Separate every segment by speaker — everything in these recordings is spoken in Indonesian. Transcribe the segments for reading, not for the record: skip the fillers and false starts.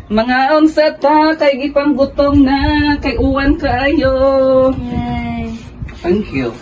Speaker 1: Mga unsa ta kay gipang gutom na kay uwan kaayo.
Speaker 2: Yay.
Speaker 3: Thank you.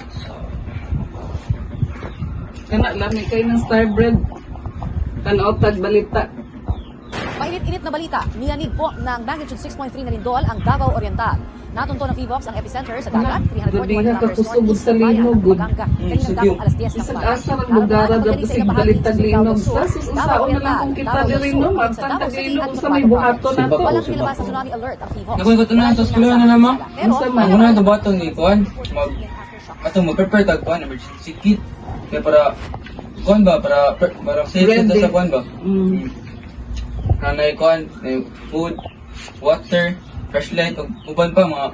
Speaker 1: Kana lami kay ng Starbread. Tanaw tag balita.
Speaker 4: Mainit-init na balita, niyanig po ng magnitude 6.3 na lindol ang Davao Oriental. Natunto ng PHIVOLCS ang epicenter sa dagat, 341 kilometers northeast ng bayan ng Paganga. Kaninang dapong alas 10 ng
Speaker 1: Isang
Speaker 4: umaga.
Speaker 1: asa ng lugar dapat sig balitag linog. Sa susunsaon na lang kung kita diri no, magtantag linog sa may buhato na to.
Speaker 4: Walang nilabas sa tsunami alert ang PHIVOLCS.
Speaker 5: Nakuha na sa eskwela na naman.
Speaker 4: Pero,
Speaker 5: Ang una ito ba itong ikuan? Mag-prepare tag kuan, emergency kit. Kaya para, kuan ba? Para safe
Speaker 1: Ready.
Speaker 5: ito sa kuan ba?
Speaker 1: Mm.
Speaker 5: Nanay kuan, food, water, flashlight, uban pa mga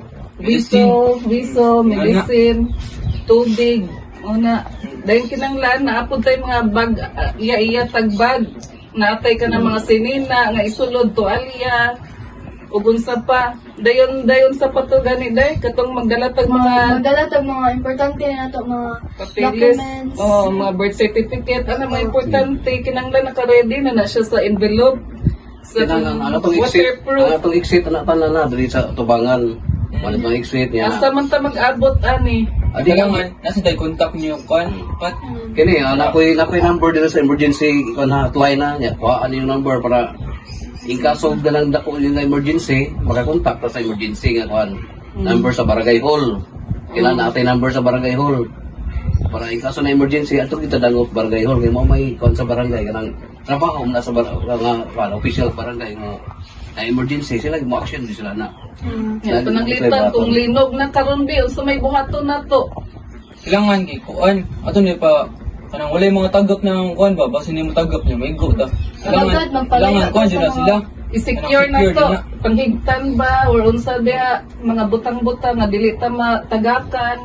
Speaker 1: Wiso, medicine, tubig, una. Dahil kinanglaan na apod tayo mga bag, iya tagbag. Naatay ka ng mga sinina, nga isulod, tualya, ugon sa pa. Dayon sa pato gani day, katong magdala tag mga
Speaker 2: Magdala tag mga importante na to, mga
Speaker 1: papeles,
Speaker 2: documents.
Speaker 1: mga birth certificate, ano mga importante, kinanglan naka-ready na siya sa envelope. Sa
Speaker 3: Ano tong exit? Ano tong exit na na diri sa tubangan. Ano tong exit niya?
Speaker 1: Asa man ta mag-abot ani.
Speaker 3: Adi lang
Speaker 5: Kailangan, nasa tayo contact niyo kuan, pat.
Speaker 3: kini nakoy number dito sa emergency kon hotline na niya. Kuhaan yung number para in kaso dalang dako yung emergency, makakontak ta sa emergency nga kuan. Number sa barangay hall. Kailangan natin number sa barangay hall. Para in kaso na emergency ato kita dangot barangay hall kay mo may kuan sa barangay kanang trabaho na sa official barangay nga na emergency sila mo action di sila na.
Speaker 1: Yan, pananglitan kung linog na karon bi sa may buhaton na to.
Speaker 5: Kailangan kuan, ato niya pa, kanang wala yung mga tagap ng kuan ba, basta niya mo tagap niya, may go ta.
Speaker 2: Agad, magpalaya
Speaker 5: Kailangan kuan
Speaker 2: ka sa
Speaker 5: sila
Speaker 2: mga-
Speaker 5: sila.
Speaker 1: I-secure na
Speaker 5: Secure
Speaker 1: to.
Speaker 5: na.
Speaker 1: Panghigtan ba or unsa ba mga butang-butang nga dili ta matagakan.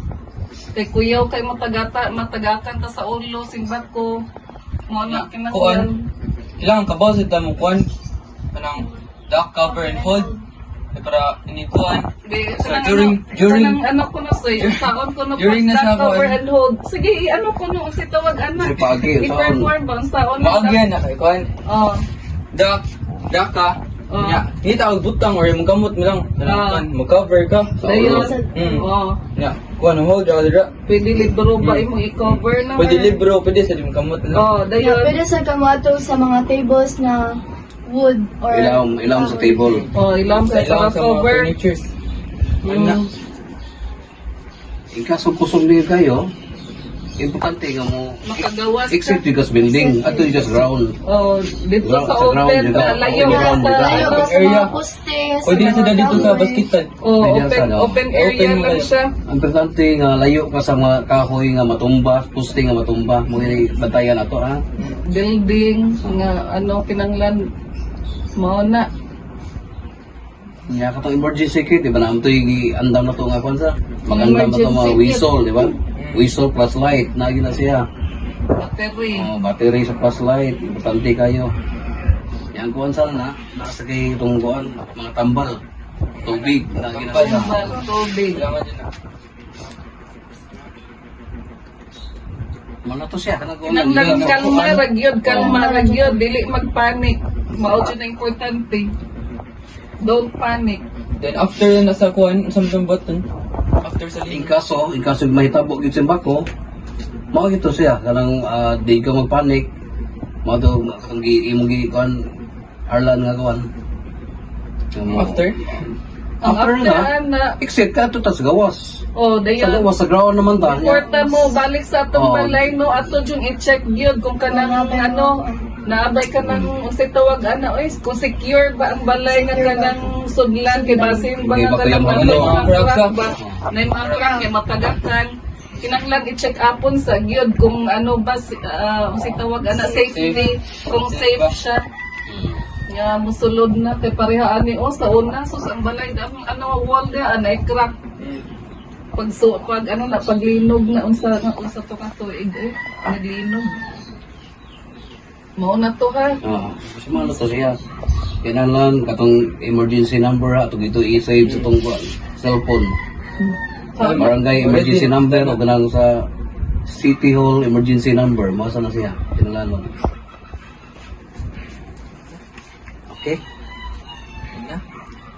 Speaker 1: Kay kuyaw kay matagakan ta sa ulo simbat ko. Mo na
Speaker 5: Kuan,
Speaker 1: kinahanglan.
Speaker 5: kailangan kabaw sa mo kuan, kanang duck cover and hold. Para inikuan.
Speaker 1: Di,
Speaker 5: So,
Speaker 1: kanang
Speaker 5: during-
Speaker 1: kanang ano ko na say, saon ko na
Speaker 5: during na sa
Speaker 1: cover
Speaker 5: kuan.
Speaker 1: and hold. Sige, ano ko no si tawag anak.
Speaker 3: Si Pagi,
Speaker 1: I-perform ba ang saon na.
Speaker 5: Maagyan na kay kuan.
Speaker 1: Oh.
Speaker 5: Duck ka.
Speaker 1: Oh.
Speaker 5: Ya, kita og butang or yung gamot mo lang.
Speaker 1: Ah.
Speaker 5: Kanang mag-cover ka.
Speaker 1: Dayon.
Speaker 5: Mm.
Speaker 1: Oh.
Speaker 5: Ya, kuan hold dira.
Speaker 1: Pwede libro ba imong i-cover na?
Speaker 5: Pwede libro, pwede sa limang kamot lang.
Speaker 1: Oh,
Speaker 2: Yeah,
Speaker 1: dayon.
Speaker 2: pwede sa kamato sa mga tables na wood or
Speaker 3: Ilawom sa table.
Speaker 1: Oh, ilang sa
Speaker 5: Kailangan sa mga
Speaker 1: cover.
Speaker 5: furnitures.
Speaker 1: Mm.
Speaker 3: In kaso kusog niyo kayo, importante nga mo
Speaker 1: Makagawas
Speaker 3: exit
Speaker 1: ka.
Speaker 3: because building ato just ground.
Speaker 1: Oh, dito
Speaker 3: Ground,
Speaker 1: sa
Speaker 3: sa ground,
Speaker 1: open,
Speaker 3: dito.
Speaker 1: layo
Speaker 3: Open
Speaker 1: ka
Speaker 3: ground,
Speaker 1: sa
Speaker 3: dito.
Speaker 2: layo
Speaker 1: ano.
Speaker 2: ka sa
Speaker 5: area.
Speaker 2: mga poste, sa
Speaker 5: Pwede na
Speaker 2: mga
Speaker 5: sila dito sa
Speaker 2: tower.
Speaker 5: basketan.
Speaker 1: Oh,
Speaker 3: Pwede
Speaker 1: open,
Speaker 3: sa-
Speaker 1: open area
Speaker 5: open mo
Speaker 1: lang
Speaker 5: kayo.
Speaker 1: siya.
Speaker 3: Ang importante nga layo ka sa mga kahoy nga matumba, poste nga matumba, mo ni bantayan ato ha.
Speaker 1: Building, nga ano, kinanglan. Mao na.
Speaker 3: Nya katong emergency kit, di ba na amto andam na to nga kon sa magandam na to mga
Speaker 1: Emergency kit.
Speaker 3: whistle, di ba? Whistle plus light, nagi na siya.
Speaker 1: Battery.
Speaker 3: Battery sa plus light, importante kayo. Yan kuan sa na, nasa kay itong kuan, mga tambal, tubig, nagi na siya.
Speaker 1: Tambal, tubig.
Speaker 5: Kailangan din na.
Speaker 3: Mana to siya, kanang kuan.
Speaker 1: Kinanglan kalma ragyod, kalma ragyod, dili magpanik. Mao jud ang importante. Don't panic.
Speaker 5: Then after na sa kuan, samtang button. After sa
Speaker 3: In
Speaker 5: link.
Speaker 3: kaso mahitabo gid sa bako, mao gito siya kanang di ka magpanik. Mao to kung imong gi kuan Arlan nga kuan.
Speaker 5: After?
Speaker 1: Ang
Speaker 3: After
Speaker 1: after
Speaker 3: na,
Speaker 1: na,
Speaker 3: exit ka to tas gawas.
Speaker 1: oh,
Speaker 3: Sa
Speaker 1: dayon.
Speaker 3: gawas sa ground naman ta.
Speaker 1: Porta mo, balik sa atong
Speaker 3: Oh.
Speaker 1: balay, no? Ato yung i-check yun kung kanang ano, naabay ka ng unsay tawag ana, oy, kung secure ba ang balay nga kanang sudlan, kay basin ba
Speaker 3: Hindi
Speaker 1: nga
Speaker 3: ba kayo
Speaker 1: kanang
Speaker 3: mga
Speaker 1: balay,
Speaker 3: ano,
Speaker 1: mga
Speaker 5: crack
Speaker 1: crack ba? Na yung mga crack, kay matagakan. Kinanglan i-check upon sa gyud kung ano ba, unsay tawag ana, safety, kung safe siya. Nga musulod na kay parehaan ni o sa una so ang balay ang ano wall dia anay crack pag ano na paglinog na unsa to ka tuig naglinog mao na to ha.
Speaker 3: Kasi ano to siya. Kailangan katong emergency number ha, itong ito i-save sa itong cellphone. Barangay emergency number o ganang sa City Hall emergency number. Masa na siya. Kailangan. Okay?
Speaker 5: na.